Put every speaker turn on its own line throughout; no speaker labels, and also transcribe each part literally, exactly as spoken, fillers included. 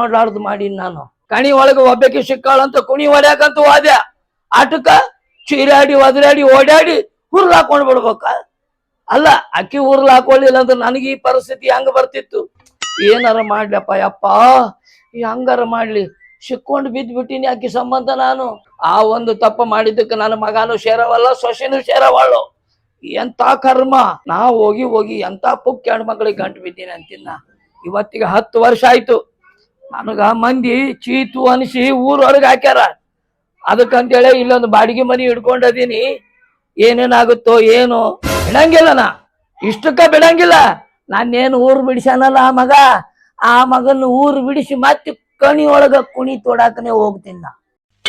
ಮಾಡ್ಲಾರ್ದು ಮಾಡೀನಿ ನಾನು. ಕಣಿ ಒಳಗ ಒಬ್ಬಕ್ಕೆ ಸಿಕ್ಕಾಳಂತ ಕುಣಿ ಹೊಡ್ಯಾಕಂತ ಹೋದ್ಯ, ಆಟಕ್ಕ ಚೀರಾಡಿ ಒದರಾಡಿ ಓಡಾಡಿ ಹುರ್ಲ್ ಹಾಕೊಂಡ್ ಬಿಡ್ಬೇಕ. ಅಲ್ಲ ಅಕ್ಕಿ ಹುರ್ಲ್ ಹಾಕೊಳ್ಳಿಲ್ಲ ಅಂದ್ರೆ ನನಗೆ ಈ ಪರಿಸ್ಥಿತಿ ಹೆಂಗ ಬರ್ತಿತ್ತು. ಏನಾರ ಮಾಡ್ಲಪ್ಪ ಯಪ್ಪ, ಹಂಗಾರ ಮಾಡ್ಲಿ, ಸಿಕ್ಕೊಂಡು ಬಿದ್ದು ಬಿಟ್ಟಿನಿ ಅಕ್ಕಿ ಸಂಬಂಧ ನಾನು. ಆ ಒಂದು ತಪ್ಪ ಮಾಡಿದ್ದಕ್ಕೆ ನನ್ನ ಮಗನು ಸೇರವಲ್ಲ, ಸೊಸೆನೂ ಸೇರವಳು. ಎಂತ ಕರ್ಮ. ನಾ ಹೋಗಿ ಹೋಗಿ ಎಂತ ಪುಕ್ ಹೆಣ್ಣು ಮಗಳಿಗೆ ಗಂಟು ಬಿದ್ದೀನಿ ಅಂತಿನ್ನ. ಇವತ್ತಿಗೆ ಹತ್ತು ವರ್ಷ ಆಯ್ತು. ನನಗ ಮಂದಿ ಚೀತು ಅನಿಸಿ ಊರೊಳಗೆ ಹಾಕ್ಯಾರ. ಅದಕ್ಕಂತೇಳಿ ಇಲ್ಲೊಂದು ಬಾಡಿಗೆ ಮನಿ ಹಿಡ್ಕೊಂಡದೀನಿ. ಏನೇನಾಗುತ್ತೋ ಏನು ಬಿಡಂಗಿಲ್ಲ, ನಾ ಇಷ್ಟಕ್ಕ ಬಿಡಂಗಿಲ್ಲ. ನಾನೇನು ಊರು ಬಿಡಿಸ್ಯಾನಲ್ಲ ಆ ಮಗ, ಆ ಮಗನ ಊರು ಬಿಡಿಸಿ ಮತ್ತೆ ಕಣಿ ಒಳಗ ಕುಣಿ ತೋಡಾಕನೆ ಹೋಗ್ತೀನಿ ನಾ.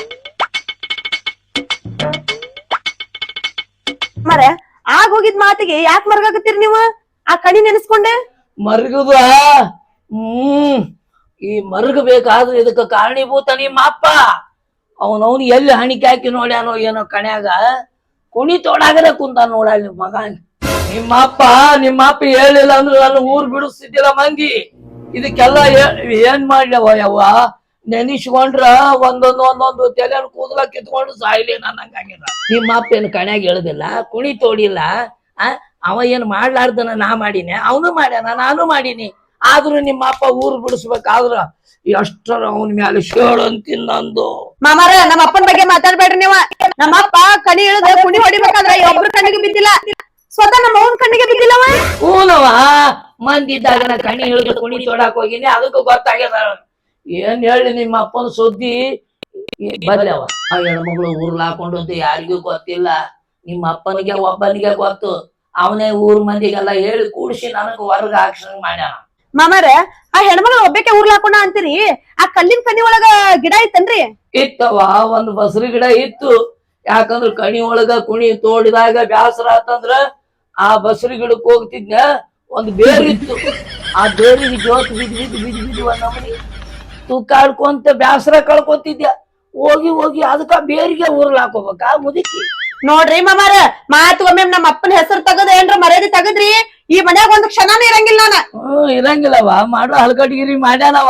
ಮರೆ ಆಗ ಹೋಗಿದ್ ಮಾತಿಗೆ ಯಾಕೆ ಮರ್ಗಾಕತ್ತೀರಿ ನೀವು? ಆ ಕಣಿ ನೆನೆಸ್ಕೊಂಡೆ
ಮರ್ಗದ ಹ್ಮ್ ಈ ಮರ್ಗ ಬೇಕಾದ್ರೆ ಇದಕ್ಕ ಕಾರಣೀಭೂತ ನಿಮ್ಮ ಅಪ್ಪ. ಅವನವನು ಎಲ್ಲಿ ಹಣಿಕೆ ಹಾಕಿ ನೋಡ್ಯಾನೋ ಏನೋ ಕಣ್ಯಾಗ ಕುಣಿ ತೋಡಾಗದೆ ಕುಂತ ನೋಡ ನಿಮ್ಮ ಮಗ. ನಿಮ್ಮ ಅಪ್ಪ ನಿಮ್ಮ ಅಪ್ಪ ಹೇಳಿಲ್ಲ ಅಂದ್ರೆ ನಾನು ಊರ್ ಬಿಡಿಸ್ತಿದ್ದಿಲ್ಲ ಮಂದಿ. ಇದಕ್ಕೆಲ್ಲ ಏನ್ ಮಾಡ್ಲವ ಯವ್ವ, ನೆನಿಸ್ಕೊಂಡ್ರ ಒಂದೊಂದು ಒಂದೊಂದು ತಲೆ ಕೂದಲ ಕಿತ್ಕೊಂಡು ಸಾಯ್ಲಿ ನನ್ನ ಹಂಗಾಗಿಲ್ಲ. ನಿಮ್ಮ ಅಪ್ಪ ಏನು ಕಣ್ಯಾಗ ಹೇಳುದಿಲ್ಲ, ಕುಣಿ ತೋಡಿಲ್ಲ. ಆ ಅವ ಏನ್ ಮಾಡ್ಲಾರ್ದನ ನಾ ಮಾಡೀನಿ, ಅವನು ಮಾಡ್ಯಾನ, ನಾನು ಮಾಡೀನಿ. ಆದ್ರೂ ನಿಮ್ಮ ಅಪ್ಪ ಊರ್ ಬಿಡಿಸ್ಬೇಕಾದ್ರ ಎಷ್ಟರ ಅವನ ಮ್ಯಾಲೆ ಶೇಳು ಅಂತೀನಿ ನಂದು.
ಮಾಮಾರ ನಮ್ಮ ಅಪ್ಪನ ಬಗ್ಗೆ ಮಾತಾಡ್ಬೇಡ್ರಿ ನೀವ. ನಮ್ಮ ಅಪ್ಪ ಕಣಿ ಇಳಿದ ಕುಣಿ ಹೊಡಿಬೇಕಾದ್ರೆ ಒಬ್ರು ಕಣ್ಣಿಗೆ ಬಿದ್ದಿಲ್ಲ, ಸ್ವತಃ ನಮ್ಮ ಅವನ್ ಕಣ್ಣಿಗೆ ಬಿದ್ದಿಲ್ಲವ.
ಹೂನವ, ಮಂದಿದ್ದಾಗ ನಾ ಕಣಿ ಇಳಿದ ಕುಣಿ ತೋಡಾಕ್ ಹೋಗಿನಿ, ಅದಕ್ಕೂ ಗೊತ್ತಾಗ್ಯದ. ಏನ್ ಹೇಳಿ ನಿಮ್ಮ ಅಪ್ಪನ ಸುದ್ದಿ ಬರ್ಲವ. ಆ ಹೆಣ್ಮಗಳು ಊರ್ಲ ಹಾಕೊಂಡದ್ದು ಯಾರಿಗೂ ಗೊತ್ತಿಲ್ಲ. ನಿಮ್ಮ ಅಪ್ಪನಿಗೆ ಒಬ್ಬನಿಗೆ ಗೊತ್ತು. ಅವನೇ ಊರ್ ಮಂದಿಗೆಲ್ಲ ಹೇಳಿ ಕೂಡಿಸಿ ನನಗ ಹೊರಗ ಹಾಕ್ಸಂಗ್ ಮಾಡ್ಯಾನ.
ಮಾಮಾರ ಆ ಹೆಣ್ಮಗಳು ಒಬ್ಬಕ್ಕೆ ಊರ್ಲ ಹಾಕೊಂಡ ಅಂತೀರಿ, ಆ ಕಲ್ಲಿನ ಕಣಿ ಒಳಗ ಗಿಡ ಇತ್ತನ್ರಿ?
ಇತ್ತವ, ಒಂದ್ ಬಸರಿ ಗಿಡ ಇತ್ತು. ಯಾಕಂದ್ರ ಕಣಿ ಒಳಗ ಕುಣಿ ತೋಡಿದಾಗ ಬ್ಯಾಸರ ಆತಂದ್ರ ಆ ಬಸರಿ ಗಿಡಕ್ ಹೋಗ್ತಿದ್ನ. ಒಂದ್ ಬೇರಿತ್ತು, ಆ ಬೇರಿಗೆ ಜೋತ್ ಬಿದ್ ಬಿದ್ ಬಿದ್ ಬಿದ್ ಒಂದ್ ನಮನಿ ತೂಕಾಡ್ಕೊಂತ ಬ್ಯಾಸರ ಕಳ್ಕೊಂತಿದ್ಯ. ಹೋಗಿ ಹೋಗಿ ಅದಕ್ಕ ಬೇರಿಗೆ ಊರ್ಲ ಹಾಕೋಬೇಕ ಮುದುಕಿ.
ನೋಡ್ರಿ ಮಾಮಾರ, ಮಾತು ಒಮ್ಮೆ ನಮ್ಮ ಅಪ್ಪನ ಹೆಸರು ತಗದ ಏನ್ರ ಮರ್ಯಾದೆ ತಗದ್ರಿ ಈ ಮನ್ಯಾಗ ಒಂದ್ ಕ್ಷಣನೂ ಇರಂಗಿಲ್ಲ ನಾನ.
ಹ್ಮ್ ಇರಂಗಿಲ್ಲವ, ಮಾಡೋ ಹಲ್ಕಟ್ಗಿರಿ ಮಾಡ್ಯಾನವ.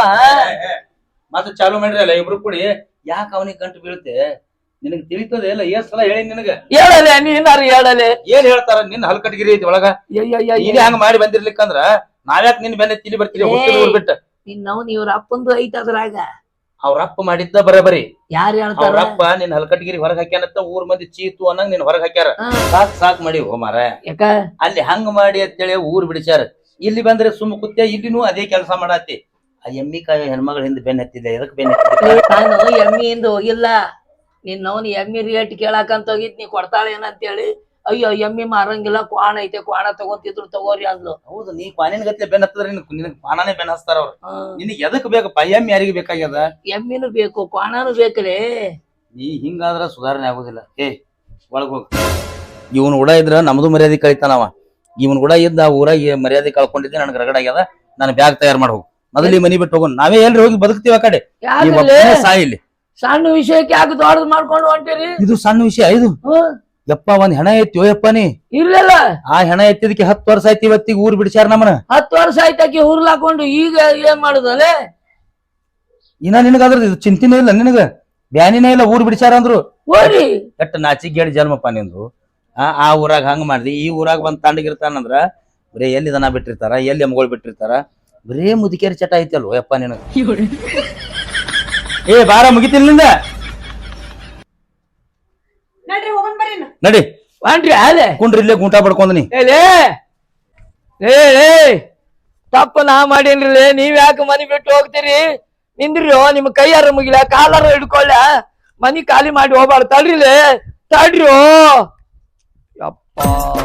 ಮತ್ತೆ ಚಾಲು ಮಾಡ್ರಿ ಅಲ್ಲ ಇಬ್ರು ಕೂಡಿ. ಯಾಕ ಅವನಿಗೆ ಗಂಟು ಬೀಳುತ್ತೆ ನಿನಗ್ ತಿಳಿತದೆ ಇಲ್ಲ? ಏನ್ ಸಲ ಹೇಳಿ ನಿನಗ?
ಹೇಳಲೆ ನೀನಾರು ಹೇಳಲೆ.
ಏನ್ ಹೇಳ್ತಾರ? ನಿನ್ ಹಲ್ಕಟ್ಗಿರಿ ಐತಿ ಒಳಗ. ನೀನ್ ಹಂಗ ಮಾಡಿ ಬಂದಿರ್ಲಿಕ್ಕಂದ್ರ ನಾವ್ಯಾಕ ನಿನ್ ಬೆನ್ನ ತಿಳಿ ಬರ್ತೀರಿ ಊರ್ ಬಿಟ್ಟ?
ನಿನ್ನವ್ನ ಇವ್ರ ಅಪ್ಪಂದು ಐತ ಅದ್ರಾಗ.
ಅವ್ರ ಅಪ್ಪ ಮಾಡಿದ್ದ ಬರಬರಿ.
ಯಾರು ಹೇಳ್ತಾರ?
ಅವ್ರ ಅಪ್ಪ ನಿನ್ ಹಲ್ಕಟ್ಗಿರಿ ಹೊರಗ್ ಹಾಕ್ಯಾನತ್ತ ಊರ್ ಮಂದಿ ಚೀತು ಅನ್ನಂಗ್ ನಿನ್ ಹೊರಗ್ ಹಾಕ್ಯಾರ. ಸಾಕ್ ಸಾಕ್ ಮಾಡಿ ಹೋಮಾರ. ಯಾಕ ಅಲ್ಲಿ ಹಂಗ ಮಾಡಿ ಅಂತೇಳಿ ಊರ್ ಬಿಡಿಸ್ಯಾರ. ಇಲ್ಲಿ ಬಂದ್ರೆ ಸುಮ್ಮ ಕುತ್ತ, ಇಲ್ಲಿನೂ ಅದೇ ಕೆಲಸ ಮಾಡಾತಿ. ಆ ಎಮ್ಮಿ ಕಾಯಿ ಹೆಣ್ಮಗಳ ಹಿಂದ್ ಬೆನ್ ಹತ್ತಿದ್ದೆ. ಎದಕ್ ಬೆನ್ ಹತ್ತಿದ್ದೆ?
ನಾನು ಎಮ್ಮಿಯಿಂದ ಹೋಗಿಲ್ಲ. ನಿನ್ನವ್ನ ಎಮ್ಮಿ ರೇಟ್ ಕೇಳಾಕಂತ ಹೋಗಿದ್, ನೀ ಕೊಡ್ತಾಳೆ ಏನಂತೇಳಿ. ಅಯ್ಯೋ ಎಮ್ಮಿ ಮಾರಂಗಿಲ್ಲ, ಕ್ವಾಣ ಐತೆ, ಕ್ವಾಣ ತಗೊಂತಿದ್ರು ತಗೋರಿ ಅಂದ್ಲು.
ಹೌದು, ನೀ ಕ್ವಾನಿನ ಗತ್ಲೆ ಬೆನ್ ಹತ್ತದ್ರ ನಿನಗ್ ಕ್ವಾಣನೇ ಬೆನ್ ಹಚ್ತಾರ ಅವ್ರು. ನಿನಗ್ ಎದಕ್ ಬೇಕಪ್ಪ? ಎಮ್ಮಿ ಯಾರಿಗೆ ಬೇಕಾಗ್ಯದ?
ಎಮ್ಮಿನೂ ಬೇಕು, ಕ್ವಾಣನೂ ಬೇಕ್ರಿ.
ನೀ ಹಿಂಗಾದ್ರ ಸುಧಾರಣೆ ಆಗುದಿಲ್ಲ. ಏ ಒಳಗ್ ಹೋಗ. ಇವನ್ ಕೂಡ ಇದ್ರ ನಮ್ದು ಮರ್ಯಾದೆ ಕಳಿತಾನವ. ಇವನ್ ಕೂಡ ಇದ್ದ ಊರಾಗ ಮರ್ಯಾದೆ ಕಳ್ಕೊಂಡಿದ್ದೆ. ನನಗ್ ರಗಡ ಆಗ್ಯದ. ನಾನು ಬ್ಯಾಗ್ ತಯಾರು ಮಾಡಿ ಹೋಗು. ಮೊದಲು ಮನಿ ಬಿಟ್ಟು ಹೋಗೋಣ. ನಾವೇ ಎಲ್ರಿ ಹೋಗಿ ಬದುಕ್ತಿವ ಆ ಕಡೆ. ಸಾಯಿಲಿ.
ಸಣ್ಣ ವಿಷಯಕ್ಕೆ ಯಾಕೆ ದೊಡ್ಡದ್ ಮಾಡ್ಕೊಂಡು ಹೊಂಟಿರಿ?
ಇದು ಸಣ್ಣ ವಿಷಯ. ಇದು ಯಪ್ಪ ಒಂದ್ ಹೆಣ ಎತ್ತಿ ಯಪ್ಪ ನೀ.
ಇರ್ಲಿಲ್ಲ, ಆ
ಹೆಣ ಎತ್ತಿದಕ್ಕೆ ಹತ್ತು ವರ್ಷ ಆಯ್ತು. ಇವತ್ತಿಗೆ ಊರ್ ಬಿಡಿಸ್ಯಾರ ನಮ್ಮನ.
ಹತ್ತು ವರ್ಷ ಆಯ್ತಾಕಿ ಊರ್ಲಾಕೊಂಡು ಈಗ ಏನ್ ಮಾಡುದಲ್ಲೇ?
ಇನ್ನ ನಿನಗಾದ್ರ ಇದು ಚಿಂತಿನೇ ಇಲ್ಲ, ನಿನಗ ಬ್ಯಾನಿನೇ ಇಲ್ಲ. ಊರ್ ಬಿಡಿಸ್ಯಾರ ಅಂದ್ರು
ಹೋರಿ
ಎಟ್ಟ ನಾಚಿಗೇಳಿ ಜನ್ಮಪ್ಪ ನಿಂದು. ಆ ಆ ಊರಾಗ ಹಂಗ ಮಾಡ್ದಿ, ಈ ಊರಾಗ ಬಂದ್ ತಂಡಗಿರ್ತಾನಂದ್ರ ಬರೀ ಎಲ್ಲಿ ದನ ಬಿಟ್ಟಿರ್ತಾರ, ಎಲ್ಲಿ ಎಮ್ಗಳು ಬಿಟ್ಟಿರ್ತಾರ. ಬರೇ ಮುದುಕೇರಿ ಚಟ ಐತಲ್ವ ಯಪ್ಪ ನಿನಗ. ಏ ಬಾರ, ಮುಗಿತಿಲ್ಲಿಂದ ನಡಿ.
ವಾಂಟ್ರಿ ಅಲೆ
ಕುಂಡ್ರಿ, ಇಲ್ಲೇ ಗುಂಟ ಬಡ್ಕೊಂಡ್ ನೀ.
ಏ ತಪ್ಪ ನಾ ಮಾಡೇನ್ರಿ. ನೀವ್ ಯಾಕೆ ಮನಿ ಬಿಟ್ಟು ಹೋಗ್ತೀರಿ? ನಿಂದ್ರಿ, ನಿಮ್ ಕೈಯಾರ ಮುಗಿಲ, ಕಾಲಾರ ಹಿಡ್ಕೊಳ್ಳ. ಮನಿ ಖಾಲಿ ಮಾಡಿ ಹೋಗ್ಬಾರ್ದು. ತಡ್ರಿಲೇ, ತಡ್ರಿ. ಯಪ್ಪ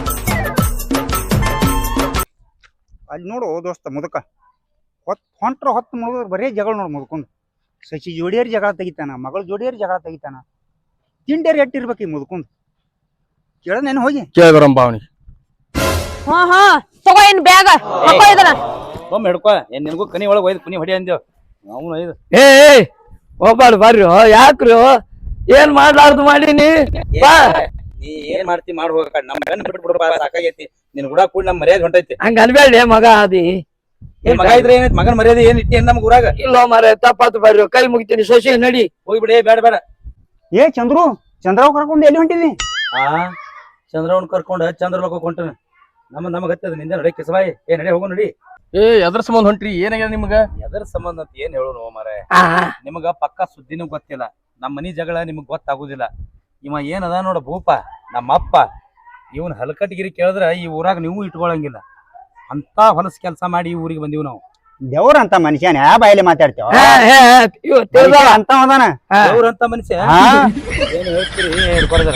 ಅಲ್ಲಿ ನೋಡು ದೋಸ್ತ ಮುದಕ ಹೊತ್ ಹೊಂಟ್ರ ಹೊತ್ತು ಮುಳುಗ ಬರೇ ಜಗಳ ನೋಡು. ಮುದ್ಕೊಂಡು ಸಸಿ ಜೋಡಿಯರ್ ಜಗಳ ತೆಗಿತಾನ, ಮಗಳು ಜೋಡಿಯರ್ ಜಗಳ ತೆಗಿತಾನ. ತಿಂಡಿಯರ್ ಎಟ್ಟಿರ್ಬೇಕು ಈ ಮುದ್ಕೊಂಡು. ಕೇಳನೇನು ಹೋಗಿ
ಕೇಳಬರಂ ಬಾವಣಿ.
ಹಾ ಹಾ ತಗೋ ಏನ್ ಬ್ಯಾಗ ಹಾಕೋ ಇದನ್ನ.
ಒಮ್ಮೆ ಹಿಡ್ಕೊ. ಏನ್ ನಿನಗೂ ಕನಿ ಒಳಗೆ ಒಯ್ದು ಕುನಿ ಹೊಡಿ ಅಂದೇವ್. ಅವನು ಐದು
ಏ ಹೋಗ್ಬಾರ್ದು ಬರ್ರಿ. ಯಾಕ್ರಿ ಏನ್ ಮಾಡ್ಲಾರ್ದು ಮಾಡೀನಿ? ಬಾ,
ನೀ ಏನ್ ಮಾಡ್ತಿ ಮಾಡಿ ಹೋಗ. ನಮ್ಮ ಗನ್ ಬಿಟ್ಟು ಬಿಡ್ಬಾ, ಸಾಕಾಗೈತಿ. ನಿನ್ ಕೂಡ ಕೂಡ ನಮ್ ಮರ್ಯಾದೆ ಹೊಂಟೈತಿ.
ಹಂಗ ಅನ್ಬೇಡಿ ಮಗ. ಅದಿ
ಏ ಮಗ ಇದ್ರೆ ಏನೈತಿ ಮಗನ ಮರ್ಯಾದೆ ಏನ್ ಇಟ್ಟಿ ನಮ್ಗ ಊರಾಗ
ಇಲ್ಲ ಮಾರ ತಪ್ಪಾತು ಬರ್ರಿ ಕೈ ಮುಗಿತೀನಿ ಸೊಸೆ ನಡಿ
ಹೋಗ್ಬಿಡಿ ಬೇಡ ಬೇಡ
ಏ ಚಂದ್ರು ಚಂದ್ರಾವ್ ಕರ್ಕೊಂಡು ಎಲ್ಲಿ ಹೊಂಟಿದಿ
ಆ ಚಂದ್ರವನ್ ಕರ್ಕೊಂಡ ಚಂದ್ರಲೋಕ ಹೊಂಟನ ನಮ್ಮ ನಮಗ ಹತ್ತದ ನಿಂದ ನಡಿ ಕಿಸಬಾಯಿ ಏ ನಡಿ ಹೋಗೋ ನಡಿ
ಏ ಎದ್ರ ಸಂಬಂಧ ಹೊಂಟ್ರಿ ಏನಾಗ್ಯದ ನಿಮ್ಗ
ಎದರ ಸಂಬಂಧ ಅಂತ ಏನ್ ಹೇಳೋನು ಮಾರೇ
ಆ
ನಿಮಗ ಪಕ್ಕ ಸುದ್ದಿನೂ ಗೊತ್ತಿಲ್ಲ ನಮ್ಮ ಮನಿ ಜಗಳ ನಿಮಗ್ ಗೊತ್ತಾಗುದಿಲ್ಲ ಇವ ಏನದ ನೋಡ ಭೂಪ ನಮ್ಮ ಅಪ್ಪ ಇವನ್ ಹಲಕಟ್ಟಿಗಿರಿ ಕೇಳಿದ್ರ ಈ ಊರಾಗ ನೀವು ಇಟ್ಕೊಳಂಗಿಲ್ಲ ಅಂತ ಹೊಲಸ್ ಕೆಲಸ ಮಾಡಿ ಈ ಊರಿಗೆ ಬಂದೀವಿ ನಾವು
ದೇವ್ರ ಅಂತ ಮನುಷ್ಯನ ಯಾ ಬಾಯಲ್ಲಿ ಮಾತಾಡ್ತೇವ
ಹೇ, ಹೇ, ಇವ್ ತಿಳ್ದಾಳ.
ಅಂತ ಅದಾನ
ದೇವ್ರಂತ ಮನುಷ್ಯ
ಹಾ
ಏನ್ ಹೇಳ್ತೀರಿ ಹಿಡ್ಕೊಡ್ದಾರ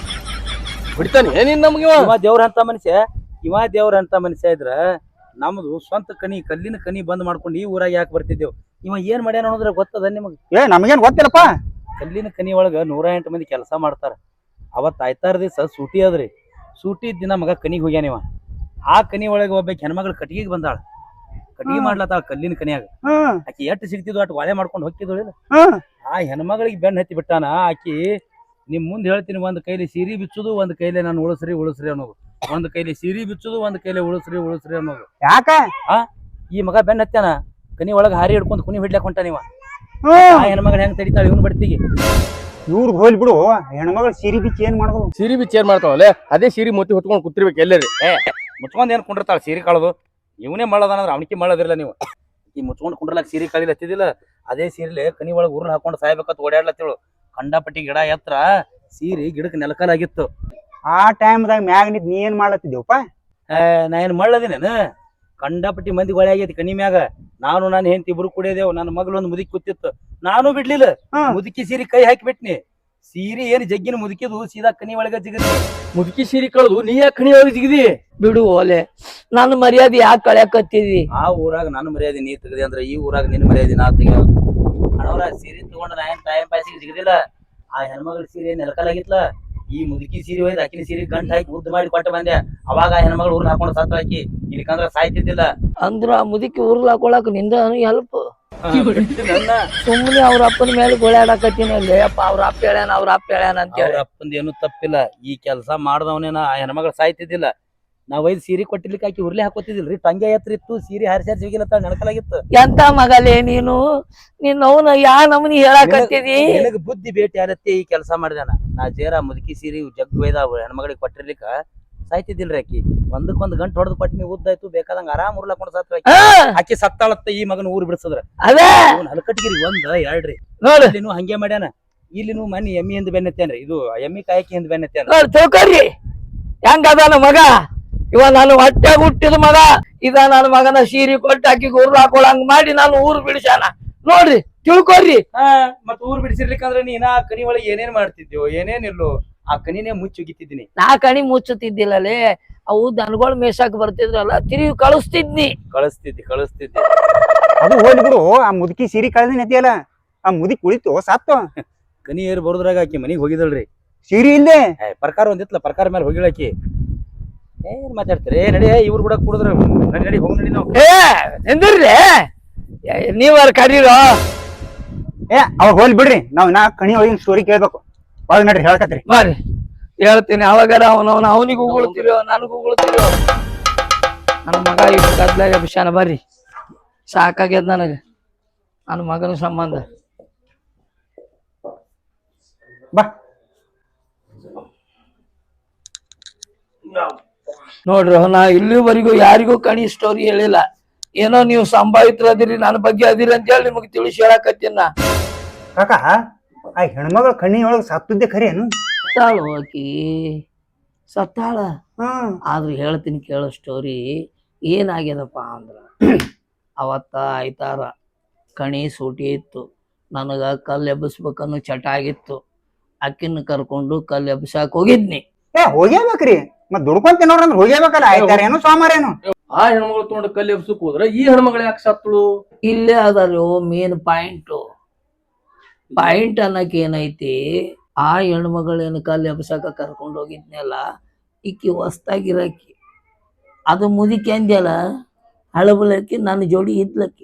ಬಿಡ್ತಾನೆ ಏನಿನ್ ನಮ್ಗೆ ಇವ?
ಇವ ದೇವ್ರಂತ ಮನುಷ್ಯ ಇವ ದೇವ್ರಂತ ಮನುಷ್ಯ ಇದ್ರ ನಮ್ದು ಸ್ವಂತ ಕನಿ ಕಲ್ಲಿನ ಕನಿ ಬಂದ್ ಮಾಡ್ಕೊಂಡು ಈ ಊರಾಗ ಯಾಕೆ ಬರ್ತಿದ್ದೇವ್ ಇವ ಏನ್ ಮಾಡ್ಯಾನ ಅನ್ನೋದ್ರ ಗೊತ್ತದ ನಿಮಗ್
ಏ ನಮಗೇನ್ ಗೊತ್ತಿಲ್ಲಪ್ಪ
ಕಲ್ಲಿನ ಕನಿ ಒಳಗ ನೂರ ಎಂಟು ಮಂದಿ ಕೆಲಸ ಮಾಡ್ತಾರ ಅವತ್ ಆಯ್ತಾರ ದಿವಸ ಸೂಟಿ ಅದ್ರಿ ಸೂಟಿ ದಿನ ಮಗ ಕನಿಗ್ ಹೋಗ್ಯಾನ ಇವ ಆ ಕನಿ ಒಳಗ ಒಬ್ಬ ಹೆಣ್ಮಗಳು ಕಟ್ಟಿಗೆ ಬಂದಾಳ ಕಟ್ಟಿಗೆ ಮಾಡ್ಲತ್ತಾಳ ಕಲ್ಲಿನ ಕನಿಯಾಗ
ಹ್ಮ್
ಆಕಿ ಎಟ್ಟು ಸಿಗ್ತಿದ್ವು ಅಟ್ ವಾಳೆ ಮಾಡ್ಕೊಂಡು ಹೋಗ್ತಿದ್ಳು
ಹ್ಮ್
ಆ ಹೆಣ್ಮಗಳಿಗೆ ಬೆನ್ನ ಹತ್ತಿ ಬಿಟ್ಟಾನ ಆಕಿ ನಿಮ್ ಮುಂದೆ ಹೇಳ್ತೀನಿ ಒಂದ್ ಕೈಲಿ ಸೀರಿ ಬಿಚ್ಚುದು ಒಂದ್ ಕೈಲಿ ನಾನು ಉಳಸ್ರಿ ಉಳಸ್ರಿ ಅನ್ನೋದು ಒಂದ್ ಕೈಲಿ ಸೀರಿ ಬಿಚ್ಚುದು ಒಂದ್ ಕೈಲಿ ಉಳಸ್ರಿ ಉಳಸ್ರಿ ಅನ್ನೋದು
ಯಾಕ
ಈ ಮಗ ಬೆನ್ನ ಹತ್ಯಾನ ಕನಿ ಒಳಗ ಹಾರಿ ಹಿಡ್ಕೊಂಡು ಕುನಿ ಹಿಡ್ಲಾಕ್ ಹೊಂಟಾನ ಇವ
ಹ್ಮ್
ಆ ಹೆಣ್ಮಗಳ ಹೆಂಗ್ ತಡಿತಾಳ ಇವನ್ ಬಡ್ತಿಗೆ
ಇವ್ರಿಗೆ ಹೋಲ್ ಬಿಡು ಹೆಣ್ಮಗಳು ಸೀರಿ ಬಿಚ್ಚಿ ಏನ್ ಮಾಡೋದು
ಸೀರಿ ಬಿಚ್ಚಿ ಏನ್ ಮಾಡ್ತಾವಲ್ಲ ಅದೇ ಸೀರಿ ಮುತ್ತಿ ಹೊತ್ಕೊಂಡ್ ಕೂತಿರ್ಬೇಕು ಎಲ್ಲರಿ
ಮುಚ್ಕೊಂಡ್ ಏನ್ ಕುಂಡಿರ್ತಾಳ ಸೀರೆ ಕಾಳದು ಇವನೇ ಮಳ್ಳದಾನಂದ್ರ ಅವನಿಗೆ ಮಳ್ಳದಿರಲ್ಲ ನೀವು ಈ ಮುಚ್ಕೊಂಡ್ ಕುಂಡ್ರಲಾಕ ಸೀರೆ ಕಾಳಿಲ್ಲ ಹತ್ತಿದಿಲ್ಲ ಅದೇ ಸೀರೆಲೆ ಕನಿ ಒಳಗೆ ಉರ್ಲ್ ಹಾಕೊಂಡು ಸಾಯ್ಬೇಕಂತ ಓಡಾಡ್ಲತ್ತೇಳು ಕಂಡಪಟ್ಟಿ ಗಿಡ ಎತ್ತರ ಸೀರೆ ಗಿಡಕ್ಕೆ ನೆಲಕಲಾಗಿತ್ತು
ಆ ಟೈಮ್ದಾಗ ಮ್ಯಾಗ ನಿಂತ್ ನೀ ಏನ್ ಮಾಡ್ಲತ್ತಿದ್ದೇವಪ್ಪ
ನಾ ಏನ್ ಮಳ್ಳದಿನೇನು ಕಂಡಪಟ್ಟಿ ಮಂದಿ ಗೊಳೆ ಆಗೈತಿ ಕನಿ ಮ್ಯಾಗ ನಾನು ನಾನು ಹೆಂಡತಿ ಇಬ್ರು ಕುಡಿಯದೇವು ನನ್ನ ಮಗಳು ಒಂದು ಮುದುಕಿ ಕೂತಿತ್ತು ನಾನು ಬಿಡ್ಲಿಲ್ಲ
ಹ್ಮ್.
ಮುದುಕಿ ಸೀರೆ ಕೈ ಹಾಕಿ ಬಿಟ್ನಿ ಸೀರೆ ಏನ್ ಜಗ್ಗಿನ ಮುದುಕಿದು ಸೀದಾ ಕನಿ ಒಳಗ ಜಿಗದ್ನಿ
ಮುದುಕಿ ಸೀರಿ ಕಳೆದು ನೀ ಯಾಕೆ ಕಣಿ ಒಳಗೆ ಜಿಗಿದಿ
ಬಿಡು ಓಲೆ ನನ್ನ ಮರ್ಯಾದೆ ಯಾಕೆ ಕಳ್ಯಾಕತ್ತಿದಿ
ಆ ಊರಾಗ ನನ್ನ ಮರ್ಯಾದೆ ನೀ ತೆಗದಿ ಅಂದ್ರೆ ಈ ಊರಾಗ ನಿನ್ನ ಮರ್ಯಾದೆ ನಾ ತೆಗ ಹಣವರ ಸೀರೆ ತಗೊಂಡ ನಾ ಏನ್ ಟೈಮ್ ಪಾಸಿಗೆ ಜಿಗದಿಲ್ಲ ಆ ಹೆಣ್ಮಗಳ ಸೀರೆ ನೆಲಕಲಾಗಿತ್ಲ ಈ ಮುದುಕಿ ಸೀರೆ ಒಯ್ದು ಆಕಿನ ಸೀರೆ ಗಂಟ್ ಹಾಕಿ ಉದ್ದ ಮಾಡಿ ಕೊಟ್ಟು ಬಂದೆ ಅವಾಗ ಆ ಹೆಣ್ಮಗಳು ಊರ್ನ ಹಾಕೊಂಡು ಸತ್ತ ಹಾಕಿ ಇಲ್ಲಿಕಂದ್ರ ಸಾಯ್ತಿದ್ದಿಲ್ಲ
ಅಂದ್ರ ಆ ಮುದುಕಿ ಉರ್ಲ್ ಹಾಕೊಳಕ್ ನಿಂದ ಹೆಲ್ಪ್
ನನ್ನ
ಸುಮ್ಮನೆ ಅವ್ರ ಅಪ್ಪನ ಮೇಲೆ ಗೋಳಾಡಕತ್ತೀನಿ ಅಲ್ಲಿ ಅಪ್ಪ ಅವ್ರ ಅಪ್ಪ ಹೇಳ್ಯಾನ ಅವ್ರ ಅಪ್ಪ ಹೇಳ್ಯಾನ ಅಂತ
ಅವ್ರ
ಹೇಳಿ
ಅಪ್ಪಂದ ಏನು ತಪ್ಪಿಲ್ಲ ಈ ಕೆಲಸ ಮಾಡ್ದವನೇನ ಆ ಹೆಣ್ಮಗಳು ಸಾಯ್ತಿದ್ದಿಲ್ಲ ನಾವ್ ಒಯ್ದು ಸೀರೆ ಕೊಟ್ಟಿರ್ಲಿಕ್ಕೆ ಆಕಿ ಉರ್ಲಿ ಹಾಕೋತಿದಿಲ್ರಿ ಟಂಗೆ ಎತ್ತರ ಇತ್ತು ಸೀರೆ ಹಾರಿಸಿ ಹಾರಿಸಿ ಹೋಗಿಲ್ಲತ್ತ ನೆನಕಲಾಗಿತ್ತು
ಎಂತ ಮಗಲೇ ನೀನು ನೀನ್ ಅವನ ಯಾ ನಮನಿ ಹೇಳಾಕತ್ತಿದಿ
ನಿನಗ ಬುದ್ಧಿ ಭೇಟಿ ಆಗತ್ತೆ ಈ ಕೆಲಸ ಮಾಡಿದಾನ ನಾ ಜೇರ ಮುದುಕಿ ಸೀರೆ ಜಗ್ ಒಯ್ದ ಹೆಣ್ಮಗಳಿಗೆ ಕೊಟ್ಟಿರ್ಲಿಕ್ಕ ಸಾಯ್ತಿದ್ದಿಲ್ರಿ ಆಕಿ ಒಂದಕ್ಕೊಂದ್ ಗಂಟು ಹೊಡೆದು ಕೊಟ್ಟಿನಿ ಉದ್ದಾಯ್ತು ಬೇಕಾದಂಗ ಆರಾಮ್ ಉರ್ಲಾಕೊಂಡು ಸತ್ತ ಆಕಿ
ಹಾ,
ಆಕಿ ಸತ್ತಾಳತ್ತ ಈ ಮಗನ ಊರ್ ಬಿಡಿಸದ್ರ
ಅದೇ
ಹಲಕಟ್ಟಿಗಿರಿ ಒಂದ್ ಎರಡ್ರಿ
ನೋಡು
ಇಲ್ಲಿನೂ ಹಂಗೆ ಮಾಡ್ಯಾನ ಇಲ್ಲಿನೂ ಮನಿ ಎಮ್ಮಿ ಹಿಂದ್ ಬೆನ್ನತ್ತೇನ್ರಿ ಇದು ಎಮ್ಮಿ ಕಾಯಕಿ ಹಿಂದ್ ಬೆನ್ನತ್ತೇನ
ನೋಡ್ ತಿಳ್ಕೊರಿ ಹೆಂಗ ಅದಾನ ಮಗ ಇವ ನಾನು ಹೊಟ್ಟೆ ಹುಟ್ಟಿದ ಮಗ ಇದ ನನ್ನ ಮಗನ ಸೀರೆ ಕೊಟ್ಟು ಆಕಿಗೆ ಉರ್ಲ್ ಹಾಕೊಳಂಗ್ ಮಾಡಿ ನಾನು ಊರ್ ಬಿಡಿಸ್ಯಾನ ನೋಡ್ರಿ ತಿಳ್ಕೊರಿ
ಹಾ ಮತ್ ಊರ್ ಬಿಡಿಸಿರ್ಲಿಕ್ಕಂದ್ರ ನೀನ ಆ ಕನಿ ಒಳಗೆ ಏನೇನ್ ಮಾಡ್ತಿದ್ಯೋ ಏನೇನಿಲ್ಲೋ ಆ ಕನಿನೇ ಮುಚ್ಚುಗಿತ್ತಿದ್ದೀನಿ
ನಾ ಕಣಿ ಮುಚ್ಚುತ್ತಿದ್ದಿಲ್ಲಲೇ ಅವು ದನಗಳು ಮೇಸಾಕ್ ಬರ್ತಿದ್ರಲ್ಲ ತಿರುಗಿ ಕಳಿಸ್ತಿದ್ನಿ
ಕಳಿಸ್ತಿದ್ದಿ ಕಳಿಸ್ತಿದ್ದಿ
ಅದು ಹೋಲ್ ಬಿಡು ಆ ಮುದುಕಿ ಸೀರಿ ಕಳೆದ ನೆತಿಯಲ್ಲ ಆ ಮುದುಕಿ ಉಳಿತು ಸತ್ತು
ಕನಿ ಏರ್ ಬರೋದ್ರಾಗ ಆಕಿ ಮನಿಗ್ ಹೋಗಿದಳ್ರಿ
ಸೀರಿ ಇಲ್ಲದೆ
ಏ, ಪ್ರಕಾರ ಒಂದಿತ್ಲ ಪ್ರಕಾರ ಮೇಲೆ ಹೋಗಿಳಾಕಿ ಏನ್ ಮಾತಾಡ್ತೀರಿ ಏ ನಡಿ ಇವ್ರು ಕೂಡ ಕುಡಿದ್ರ ನಡಿ ನಡಿ ಹೋಗಿ ನಡಿ ನಾವು
ಏ ನಿಂದಿರ್ಲಿ ನೀವರ್ ಕರೀರೋ
ಏ ಅವಾಗ ಹೋಲ್ ಬಿಡ್ರಿ ನಾವ್ ನಾ ಕಣಿ ಒಳಗಿನ ಸ್ಟೋರಿ ಕೇಳ್ಬೇಕು ಒಳಗ್ ನಡ್ರಿ ಹೇಳ್ಕತ್ರಿ
ಬರ್ರಿ ಹೇಳ್ತೀನಿ ಅವಾಗಾರ ಅವನವನ ಅವನಿಗೂ ಉಗುಳ್ತಿರೋ ನನಗೂ ಉಗುಳ್ತಿರೋ ನನ್ನ ಮಗ ಇಷ್ಟು ಗದ್ಲಾಗ ಬಿಷಾನ ಬರ್ರಿ ಸಾಕಾಗ್ಯದ ನನಗೆ ನನ್ನ ಮಗನ ಸಂಬಂಧ
ಬಾ
ನೋಡ್ರಿ ನಾ ಇಲ್ಲಿವರೆಗೂ ಯಾರಿಗೂ ಕಣಿ ಸ್ಟೋರಿ ಹೇಳಿಲ್ಲ ಏನೋ ನೀವು ಸಂಭಾವಿತರದಿರಿ ನನ್ನ ಬಗ್ಗೆ ಅದಿರಿ ಅಂತ ಹೇಳಿ ನಿಮಗೆ ತಿಳಿಸಿ ಹೇಳಕತ್ತೀನಿ ನಾ
ಕಾಕ ಆ ಹೆಣ್ಮಗಳ ಕಣ್ಣಿ ಒಳಗ್ ಸತ್ತದ್ದೆ ಖರೆ ಏನು
ಸತ್ತಾಳು ಆಕಿ ಸತ್ತಾಳ
ಹ್ಮ್
ಆದ್ರೆ ಹೇಳ್ತೀನಿ ಕೇಳೋ ಸ್ಟೋರಿ ಏನಾಗ್ಯದಪ್ಪ ಅಂದ್ರ ಅವತ್ತ ಆಯ್ತಾರ ಕಣಿ ಸೂಟಿ ಇತ್ತು ನನಗ ಕಲ್ಲು ಎಬ್ಬಿಸ್ಬೇಕನ್ನೋ ಚಟ ಆಗಿತ್ತು ಅಕ್ಕಿನ ಕರ್ಕೊಂಡು ಕಲ್ಲು ಎಬ್ಬಿಸಾಕ್ ಹೋಗಿದ್ನಿ
ಏ ಹೋಗ್ಯಾಬೇಕ್ರಿ ಮತ್ ದುಡ್ಕೊಂತ ನೋಡ್ರಂದ್ರ ಹೋಗ್ಯಾಬೇಕಲ್ಲ ಆಯ್ತಾರ ಏನು ಸೋಮಾರ ಏನು
ಆ ಹೆಣ್ಮಗಳು ತೊಗೊಂಡು ಕಲ್ಲಿ ಎಬ್ಸಕ್ ಹೋದ್ರ ಈ ಹೆಣ್ಮಗಳು ಯಾಕೆ ಸತ್ತಳು
ಇಲ್ಲೇ ಅದಲ್ಲೋ ಮೇನ್ ಪಾಯಿಂಟ್ ಪಾಯಿಂಟ್ ಅನ್ನಕ್ ಏನೈತಿ ಆ ಹೆಣ್ಮಗಳೇನು ಕಲ್ಲು ಎಬ್ಸಕ ಕರ್ಕೊಂಡು ಹೋಗಿದ್ನಲ್ಲ ಈಕಿ ಹೊಸ್ತಾಗಿರಕ್ಕಿ ಅದು ಮುದಿಕೆ ಅಂದ್ಯಲ್ಲ ಹಳಬಲಕ್ಕಿ ನನ್ನ ಜೋಡಿ ಇದ್ಲಕ್ಕಿ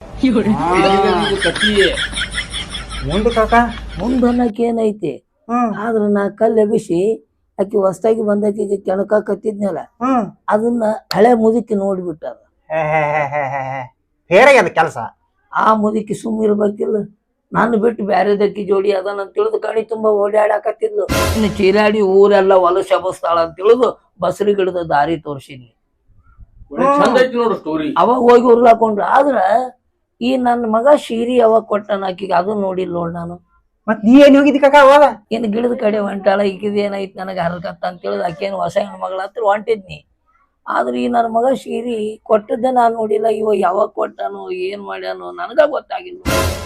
ಕತ್ತಿ
ಮುಂದೆ ಕಾಕ
ಮುಂದನ್ನಕ್ ಏನೈತಿ
ಹ್ಮ್
ಆದ್ರ ನಾ ಕಲ್ಲು ಎಬ್ಬಿಸಿ ಆಕಿ ಹೊಸ್ತಾಗಿ ಬಂದಾಕಿಗೆ ಕೆಣಕಾಕತ್ತಿದ್ನಲ್ಲ
ಹ್ಮ್
ಅದನ್ನ ಹಳೆ ಮುದುಕಿ ನೋಡ್ಬಿಟ್ಟಾರ
ಫೇರಾಗ್ಯದ ಕೆಲಸ.
ಆ ಮುದುಕಿ ಸುಮ್ಮ ಇರ್ಬೇಕಿಲ್ಲ, ನಾನು ಬಿಟ್ಟು ಬ್ಯಾರೆದಕ್ಕಿ ಜೋಡಿ ಅದನ್ನ ತಿಳಿದು ಕಣಿ ತುಂಬಾ ಓಡಾಡಕತ್ತಿದ್ಲು. ಇನ್ನು ಚೀರಾಡಿ ಊರೆಲ್ಲ ಹೊಲಸು ಶಬಸ್ತಾಳ ಅಂತ ತಿಳಿದು ಬಸರಿ ಗಿಡದ ದಾರಿ ತೋರ್ಸಿದ್ನಿ.
ಚಂದ ಐತಿ ನೋಡು ಸ್ಟೋರಿ.
ಅವಾಗ ಹೋಗಿ ಉರ್ಲಾಕೊಂಡ್ರು. ಆದ್ರ ಈ ನನ್ನ ಮಗ ಶೀರಿ ಅವಾಗ ಕೊಟ್ಟನ ಆಕಿಗೆ ಅದನ್ನ ನೋಡಿಲ್ಲ ನೋಡ್ ನಾನು.
ಮತ್ ನೀ ಏನ್ ಹೋಗಿದ್ದಿ ಕಾಕ ಅವಾಗ?
ಇನ್ನು ಗಿಡದ ಕಡೆ ಹೊಂಟಾಳ, ಈಗಿದ ಏನೈತಿ ನನಗೆ ಹರಕತ್ತ ಅಂತ ತಿಳಿದು ಆಕೇನು ಹೊಸ ಹೆಣ್ಣು ಮಗಳ ಹತ್ರ ಹೊಂಟಿದ್ನಿ. ಆದ್ರೆ ಈ ನನ್ನ ಮಗ ಶೀರಿ ಕೊಟ್ಟದ್ದೇ ನಾನು ನೋಡಿಲ್ಲ. ಇವ ಯಾವಾಗ ಕೊಟ್ಟಾನು ಏನ್ ಮಾಡ್ಯಾನು ನನಗ ಗೊತ್ತಾಗಿಲ್ಲ.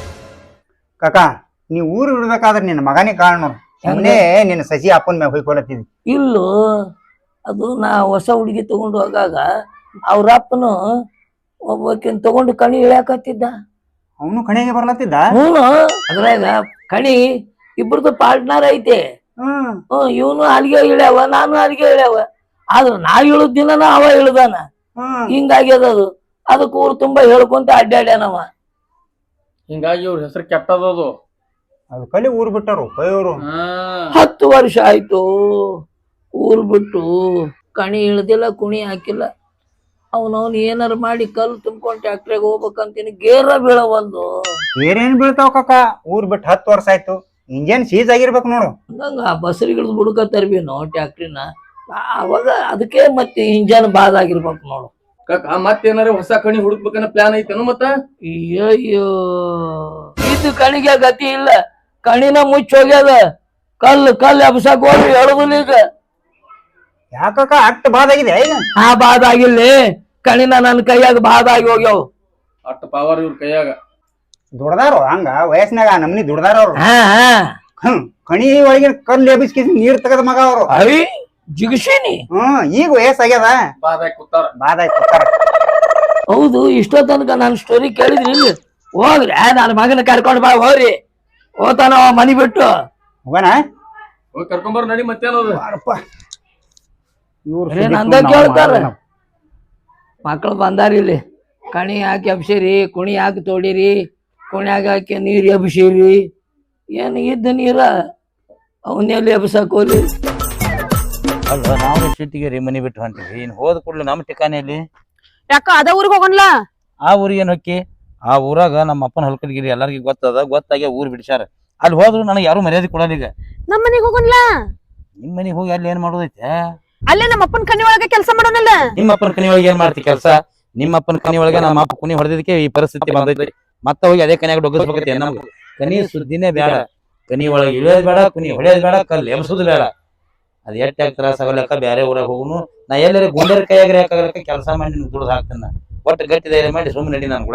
ಕಾಕ ನೀ ಊರು ಬಿಡ್ಬೇಕಾದ್ರೆ ನಿನ್ನ ಮಗನೇ ಕಾರಣ ನೋಡು. ಸುಮ್ಮನೆ ನಿನ್ನ ಸಸಿ ಅಪ್ಪನ ಮ್ಯಾಗ ಹೋಯ್ಕೊಳತ್ತಿದ್ದಿ.
ಇಲ್ಲೋ, ಅದು ನಾ ಹೊಸ ಹುಡುಗಿ ತಗೊಂಡು ಹೋಗಾಗ ಅವ್ರ ಅಪ್ಪನು ಒಬ್ಬಾಕಿನ್ ತಗೊಂಡು ಕಣಿ ಇಳ್ಯಾಕತ್ತಿದ್ದ.
ಅವನು ಕಣಿಗೆ ಬರ್ಲತ್ತಿದ್ದ.
ಹ್ಞೂ, ಅದ್ರಾಗ ಕಣಿ ಇಬ್ರದ್ದು ಪಾರ್ಟ್ನರ್ ಐತೆ.
ಹ್ಮ್
ಹ್ಮ್ ಇವನು ಅಲ್ಲಿಗೆ ಇಳ್ಯಾವ, ನಾನು ಅಲ್ಲಿಗೆ ಇಳ್ಯಾವ. ಆದ್ರ ನಾ ಇಳುದ್ ದಿನನ ಅವ ಇಳ್ದಾನ.
ಹ್ಮ್
ಹಿಂಗಾಗ್ಯದ ಅದು. ಅದಕ್ಕೆ ಊರು ತುಂಬಾ ಹೇಳ್ಕೊಂತ ಅಡ್ಡಾಡ್ಯಾನವ.
ಹಿಂಗಾಗಿ ಇವ್ರ ಹೆಸರು ಕೆಟ್ಟದದು.
ಅದು ಕಲಿ ಊರ್ ಬಿಟ್ಟರು ಕೈಯವರು.
ಹತ್ತು ವರ್ಷ ಆಯ್ತು ಊರ್ ಬಿಟ್ಟು, ಕಣಿ ಇಳ್ದಿಲ್ಲ, ಕುಣಿ ಹಾಕಿಲ್ಲ. ಅವನವನ್ ಏನಾರು ಮಾಡಿ ಕಲ್ಲು ತುಂಬ್ಕೊಂಡ್ ಟ್ಯಾಕ್ಟ್ರಿಗೆ ಹೋಗ್ಬೇಕಂತೀನಿ, ಗೇರ ಬೀಳವಲ್ದು.
ಬೇರೇನ್ ಬೀಳ್ತಾವ ಕಾಕ? ಊರ್ ಬಿಟ್ಟು ಹತ್ತು ವರ್ಷ ಆಯ್ತು, ಇಂಜನ್ ಸೀಸ್ ಆಗಿರ್ಬೇಕು ನೋಡು.
ಹಂಗ ಬಸರಿಗಿಡ್ದು ಬುಡ್ಕತ್ತರ್ಬಿನೋ ಟ್ಯಾಕ್ಟ್ರಿನ. ಅವಾಗ ಅದಕ್ಕೆ ಮತ್ತೆ ಇಂಜನ್ ಬಾದ್ ಆಗಿರ್ಬೇಕು ನೋಡು.
ಕಾಕ ಮತ್ತೇನಾರ ಹೊಸ ಕಣಿ ಹುಡುಕ್ಬೇಕನ್ನ ಪ್ಲಾನ್ ಐತೇನು ಮತ್ತ?
ಅಯ್ಯಯ್ಯೋ, ಇದು ಕಣಿಗೆ ಗತಿ ಇಲ್ಲ. ಕಣಿನ ಮುಚ್ಚ ಹೋಗ್ಯದ. ಕಲ್ಲು ಕಲ್ಲು ಎಬ್ಸಕ್ ಹೋಗಿ ಹೇಳುದಿಲ್ಲ ಈಗ.
ಯಾಕಕ್ಕ ಅಟ್ ಬಾದಾಗಿದೆ ಈಗ?
ಆ ಬಾದ್ ಆಗಿಲ್ಲ, ಕಣಿನ ನನ್ನ ಕೈಯಾಗ ಬಾದ್ ಆಗಿ ಹೋಗ್ಯಾವ.
ಅಟ್ಟ ಪವರ್ ಇವ್ರ ಕೈಯಾಗ.
ದುಡ್ದಾರು ಹಂಗ ವಯಸ್ಸಿನಾಗ ನಮ್ನಿ ದುಡ್ದಾರ ಅವ್ರು.
ಹಾ ಹಾ
ಹ್ಮ್ ಕಣಿ ಒಳಗಿನ ಕಲ್ಲು ಎಬ್ಬಿಸ್ಕಿಸಿ ನೀರ್ ತೆಗದ ಮಗ ಅವ್ರು.
ಐ ಜಿಗಿಸೀನಿ.
ಹ್ಮ್ ಈಗ ವಯಸ್ಸಾಗ್ಯದ,
ಬಾದಾಗಿ ಕೂತಾರ.
ಬಾದಾಗಿ ಕೂತಾರ.
ಹೌದು, ಇಷ್ಟೋ ತನಕ ನಾನು ಸ್ಟೋರಿ ಕೇಳಿದ್ರಿ ಇಲ್ಲಿ. ಹೋಗ್ರಿ ನನ್ನ ಮಗನ ಕರ್ಕೊಂಡು ಬಾ, ಹೋಗ್ರಿ. ಹೋತಾನ ಮನಿ ಬಿಟ್ಟು.
ಹೋಗಣ
ಹೋಗಿ ಕರ್ಕೊಂಬರ್ ನಡಿ. ಮತ್ತೇನದು
ಬರೇ ನಂದ ಕೇಳ್ತಾರ. ಮಕ್ಳು ಬಂದಾರ ಇಲ್ಲಿ. ಕಣಿ ಹಾಕಿ ಎಬ್ಸಿರಿ, ಕುಣಿ ಹಾಕಿ ತೋಡಿರಿ, ಕುಣ್ಯಾಗ ಹಾಕಿ ನೀರ್ ಎಬ್ಸಿರಿ. ಏನ್ ಇದ್ದ ನೀರ ಅವನ್ನೆಲ್ಲಿ ಎಬ್ಸಕ್ ಹೋಗ್ಲಿ.
ಅಲ್ಲ ನಾವು ಸಿಟಿಗೆ ರೀ ಮನಿ ಬಿಟ್ಟು ಹೊಂಟಿವಿ. ಇನ್ ಹೋದ ಕೂಡಲೇ ನಮ್ಮ ಠಿಕಾನೆಯಲ್ಲಿ
ಯಾಕ ಅದ ಊರಿಗೆ ಹೋಗನ್ಲ?
ಆ ಊರಿಗೆ ಏನ್ ಹೊಕ್ಕಿ? ಆ ಊರಾಗ ನಮ್ಮ ಅಪ್ಪನ ಹೊಲ್ಕಡ್ಗಿರಿ ಎಲ್ಲಾರ್ಗಿ ಗೊತ್ತದ, ಗೊತ್ತಾಗಿ ಊರ್ ಬಿಡ್ಸ್ಯಾರ. ಅಲ್ಲಿ ಹೋದ್ರು ನನಗೆ ಯಾರು ಮರ್ಯಾದೆ ಕೊಡಲ್ಲ. ಈಗ
ನಮ್ಮ ಮನೆಗೆ ಹೋಗನ್ಲ?
ನಿಮ್ ಮನಿಗ್ ಹೋಗಿ ಅಲ್ಲಿ ಏನ್ ಮಾಡೋದೈತೆ?
ಅಲ್ಲೇ ನಮ್ಮ ಅಪ್ಪನ ಕಣ್ಣಿ ಒಳಗೆ ಕೆಲಸ ಮಾಡೋನಲ್ಲ.
ನಿಮ್ಮ ಅಪ್ಪನ ಕನಿ ಒಳಗೆ ಏನ್ ಮಾಡ್ತಿ ಕೆಲಸ? ನಿಮ್ಮ ಅಪ್ಪನ ಕನಿ ಒಳಗೆ ನಮ್ಮ ಅಪ್ಪ ಕುನಿ ಹೊಡೆದಕ್ಕೆ ಈ ಪರಿಸ್ಥಿತಿ ಬಂದೈತಿ. ಮತ್ತ ಹೋಗಿ ಅದೇ ಕನ್ಯಾಗ ಡೊಗ್ಗಸ್ಬೇಕೈತಿ. ನಮ್ಗೆ ಕನಿ ಸುದ್ದಿನೇ ಬೇಡ, ಕನಿ ಒಳಗೆ ಇಳಿಯೋದ್ ಬೇಡ, ಕುನಿ ಹೊಡೆಯೋದ್ ಬೇಡ, ಕಲ್ಲು ಎಬ್ಸೋದು ಬೇಡ. ಅದ್ ಎಟ್ಟ ತ್ರಾಸ ಆಗಲಕ್ಕ ಬ್ಯಾರೆ ಊರಾಗ ಹೋಗುನು. ನಾ ಎಲ್ಲರ ಗುಂಡರ ಕೈಯಾಗ ಯಾಕಾಗಲಕ್ಕ ಕೆಲಸ ಮಾಡಿ ನಿನ್ ದುಡ್ದು ಹಾಕ್ತೇನೆ. ಒಟ್ಟು ಗಟ್ಟಿ ಧೈರ್ಯ ಮಾಡಿ ಸುಮ್ಮನೆ ನಡಿ ನಾನು ಕೂಡ.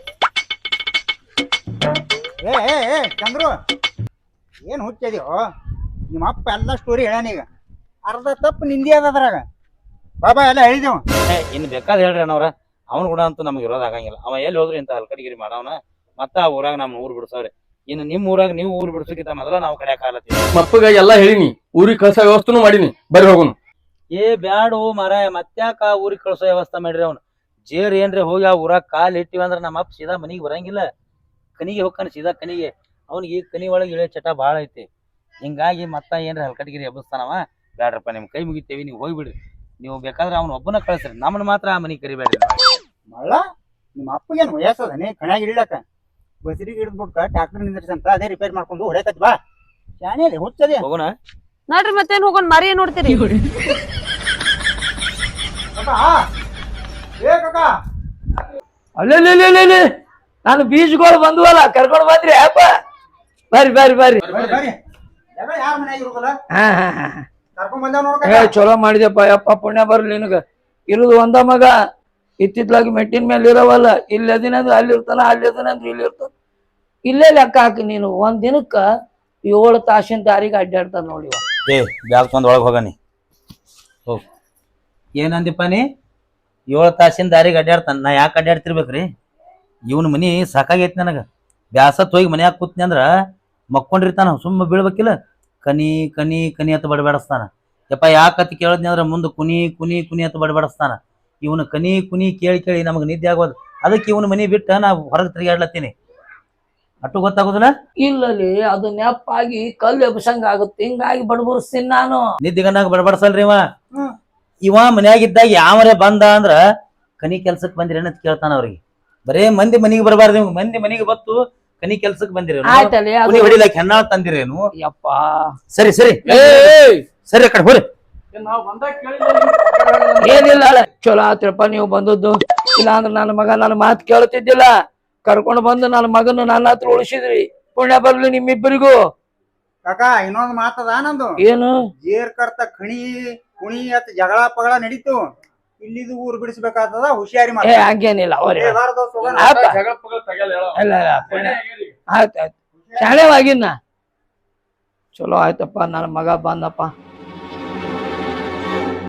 ಏ ಏ ಏ ಚಂದ್ರು, ಏನ್ ಹುಚ್ಚಿದ್ಯೋ? ನಿಮ್ಮ ಅಪ್ಪ ಎಲ್ಲ ಸ್ಟೋರಿ ಹೇಳಾನೀಗ. ಅರ್ಧ ತಪ್ಪು ನಿಂದಿ ಅದ ಅದ್ರಾಗ. ಬಾಬಾ ಎಲ್ಲ ಹೇಳಿದೇವ.
ಏ ಇನ್ ಬೇಕಾದ್ ಹೇಳ್ರಿ ಅಣ್ಣವ್ರ. ಅವ್ನು ಕೂಡ ಅಂತೂ ನಮ್ಗೆ ಇರೋದ್ ಆಗಂಗಿಲ್ಲ. ಅವ ಎಲ್ಲಿ ಹೋದ್ರಿ ಇಂತ ಹಲ್ಕಡಿಗಿರಿ ಮಾಡವನ. ಮತ್ತ ಆ ಊರಾಗ ನಮ್ಮ ಊರ್ ಬಿಡ್ಸವ್ರಿ. ಇನ್ನು ನಿಮ್ ಊರಾಗ ನೀವು ಊರ್ ಬಿಡ್ಸೋಕಿಂತ ಮೊದಲ ನಾವು ಕಡೆ ಕಾಲತ್ತೀವಿ.
ಮಪ್ಪಗ ಎಲ್ಲಾ ಹೇಳಿನಿ, ಊರಿಗೆ ಕಳ್ಸೋ ವ್ಯವಸ್ಥೆನೂ ಮಾಡೀನಿ. ಬರ್ರಿ ಹೋಗುನು.
ಏ ಬ್ಯಾಡು ಮಾರಾಯ, ಮತ್ತ್ಯಾಕ ಆ ಊರಿಗೆ ಕಳ್ಸೋ ವ್ಯವಸ್ಥೆ ಮಾಡ್ರಿ. ಅವ್ನು ಜೇರ್ ಏನ್ರಿ ಹೋಗಿ ಆ ಊರಾಗ ಕಾಲ್ ಇಟ್ಟಿವಿ ಅಂದ್ರ ನಮ್ಮ ಅಪ್ಪ ಸೀದಾ ಮನಿಗೆ ಬರಂಗಿಲ್ಲ. ಕನಿಗೆ ಹೋಗ್ತಾನ ಸೀದಾ ಕನಿಗೆ. ಅವ್ನಿಗೆ ಕನಿ ಒಳಗೆ ಇಳಿಯೋ ಚಟ ಭಾಳ ಐತಿ. ಹಿಂಗಾಗಿ ಮತ್ತ ಏನ್ರಿ ಹಲ್ಕಟ್ಗಿರಿ ಎಬ್ಬಸ್ತಾನವ. ಬ್ಯಾಡ್ರಪ್ಪ ನಿಮ್ ಕೈ ಮುಗಿತೇವಿ, ನೀವು ಹೋಗ್ಬಿಡ್ರಿ. ನೀವು ಬೇಕಾದ್ರೆ ಅವ್ನ ಒಬ್ಬನ ಕಳ್ಸ್ರಿ, ನಮ್ಮನ್ನ ಮಾತ್ರ ಆ ಮನಿಗೆ ಕರಿಬೇಡ್ರಿ.
ಮಳ್ಳ ನಿಮ್ಮ ಅಪ್ಪಗೇನು ವಯಸ್ಸದನೆ ಕಣ್ಯಾಗ ಇಡ್ಲಕ್ಕ? ಬಸರಿಗೆ ಹಿಡಿದ್ಬಿಟ್ಟ ಟ್ಯಾಕ್ಟರ್ ನಿಂದ್ರಿಸಂತ ಅದೇ ರಿಪೇರ್ ಮಾಡ್ಕೊಂಡು ಹೊಡೆಕತ್ ಬಾ. ಶಾಣೆಲಿ ಹುಚ್ಚದೆ.
ಹೋಗೋಣ
ನೋಡ್ರಿ ಮತ್ತೇನ್ ಹೋಗೋಣ, ಮರಿ ಏನ್ ನೋಡ್ತೀರಿ?
ಅಲ್ಲೇ ನಾನು ಬೀಜಗಳು ಬಂದ್ವಲ್ಲ, ಕರ್ಕೊಂಡು ಬಂದ್ರಿ ಅಪ್ಪ. ಬರ್ರಿ ಬರ್ರಿ ಬರ್ರಿ.
ಯಾರ ಮನ್ಯಾಗ ಇರೋದಲ್ಲ
ಹಾ ಹಾ ಹಾ
ಕರ್ಕೊಂಡ್ ಬಂದ
ಏ ಚಲೋ ಮಾಡಿದ್ಯಪ್ಪ. ಯಪ್ಪ ಪುಣ್ಯ ಬರ್ಲಿ ನಿನಗ. ಇರುದು ಒಂದ ಮಗ, ಇತ್ತಿತ್ಲಾಗಿ ಮೆಟ್ಟಿನ ಮೇಲೆ ಇರವಲ್ಲ. ಇಲ್ಲಿ ಅದಿನಂದ್ರೆ ಅಲ್ಲಿ ಇರ್ತಾನ, ಅಲ್ಲಿ ಅದಿನಂದ್ರೆ ಇಲ್ಲಿ ಇರ್ತಾನ. ಇಲ್ಲೇ ಲೆಕ್ಕ ಹಾಕಿ ನೀನು. ಒಂದ್ ದಿನಕ್ಕ ಏಳು ತಾಸಿನ ದಾರಿಗೆ ಅಡ್ಡಾಡ್ತಾನ ನೋಡಿ.
ಏ ಬ್ಯಾಗ್ಕೊಂಡ್ ಒಳಗೆ ಹೋಗನಿ. ಹೋಗ್ ಏನಂದಿಪ್ಪ ನೀ? ಏಳು ತಾಸಿನ ದಾರಿಗೆ ಅಡ್ಡಾಡ್ತಾನ. ನಾ ಯಾಕೆ ಅಡ್ಡಾಡ್ತಿರ್ಬೇಕ್ರಿ? ಇವನ್ ಮನಿ ಸಾಕಾಗೈತಿ ನನಗ. ಬ್ಯಾಸತ್ ಹೋಗಿ ಮನ್ಯಾಗ ಕೂತ್ನಿ ಅಂದ್ರ ಮಕ್ಕೊಂಡಿರ್ತಾನ, ಸುಮ್ಮ ಬೀಳ್ಬೇಕಿಲ್ಲ. ಕನಿ ಕನಿ ಕನಿ ಅಂತ ಬಡಬಡಿಸ್ತಾನ. ಯಪ್ಪ ಯಾಕತ್ ಕೇಳದ್ನಿ ಅಂದ್ರ ಮುಂದೆ ಕುನಿ ಕುನಿ ಕುನಿ ಅಂತ ಬಡಬಡಿಸ್ತಾನ. ಇವನು ಕನಿ ಕುನಿ ಕೇಳಿ ಕೇಳಿ ನಮಗ್ ನಿದ್ದೆ ಆಗೋದು. ಅದಕ್ಕೆ ಇವನು ಮನಿ ಬಿಟ್ಟ ನಾ ಹೊರಗೆ ತಿರುಗಾಡ್ಲತ್ತೀನಿ. ಅಟ್ಟು ಗೊತ್ತಾಗೋದಿಲ್ಲ?
ಇಲ್ಲಲ್ಲಿ ಅದು ನೆಪ್ಪಾಗಿ ಕಲ್ಲು ಎಬ್ಸಂಗ ಆಗುತ್ತೆ. ಹಿಂಗಾಗಿ ಬಡಬಡಿಸ್ತೀನಿ ನಾನು.
ನಿದ್ದಿಗನ್ನಾಗ ಬಡಬಡಿಸಲ್ರಿ ಇವ. ಇವ ಮನ್ಯಾಗಿದ್ದಾಗ ಯಾವರೇ ಬಂದ ಅಂದ್ರ ಕನಿ ಕೆಲ್ಸಕ್ ಬಂದಿರಿ ಅಂತ ಕೇಳ್ತಾನ ಅವ್ರಿಗೆ. ಬರೇ ಮಂದಿ ಮನಿಗೆ ಬರಬಾರ್ದು, ನೀವು ಮಂದಿ ಮನಿಗೆ ಬತ್ತು ಕನಿ ಕೆಲ್ಸಕ್ ಬಂದಿರೇನು,
ಆಯ್ತಲ್ಲ
ಕುನಿ ಹೊಡಿಲಾಕ ಹೆಣ್ಣಾಳ ತಂದಿರೇನು?
ಯಪ್ಪ
ಸರಿ ಸರಿ
ಏ
ಸರಿ, ಆ ಕಡೆ ಹೋರಿ.
ನಾವ್ ಬಂದಾಗ ಕೇಳಿಲ್ಲ.
ಏನಿಲ್ಲ ಅಲ್ಲ, ಚಲೋ ಆತ್ರಪ್ಪ ನೀವು ಬಂದದ್ದು. ಇಲ್ಲ ಅಂದ್ರೆ ನನ್ನ ಮಗ ನನ್ನ ಮಾತು ಕೇಳ್ತಿದ್ದಿಲ್ಲ. ಕರ್ಕೊಂಡು ಬಂದು ನನ್ನ ಮಗನ ನನ್ನ ಹತ್ರ ಉಳಿಸಿದ್ರಿ. ಪುಣ್ಯ ಬರ್ಲಿ ನಿಮ್ಮಿಬ್ಬರಿಗೂ.
ಕಾಕ ಇನ್ನೊಂದ್ ಮಾತದ ನಂದು.
ಏನು
ಜೇರ್ ಕರ್ತ ಖಣಿ ಕುಣಿ ಅತ್ ಜಗಳ ಪಗಳ ನಡೀತು. ಇಲ್ಲಿದು ಊರ್ ಬಿಡಿಸ್ಬೇಕಾಗ್ತದ, ಹುಷಿಯಾರಿ
ಏ
ಮಾಡಿ.
ಹಂಗೇನಿಲ್ಲ ಅವ್ರೆ
ಜಗಳ ಪಗಳ ತೆಗಿಯಲ್ಲ ಹೇಳೋ.
ಇಲ್ಲ ಇಲ್ಲ ಪುಣ್ಯ ಆಯ್ತು ಆಯ್ತು ಶಾಣೆವಾಗಿನ್ನ ಚಲೋ ಆಯ್ತಪ್ಪ. ನನ್ನ ಮಗ ಬಂದಪ್ಪ.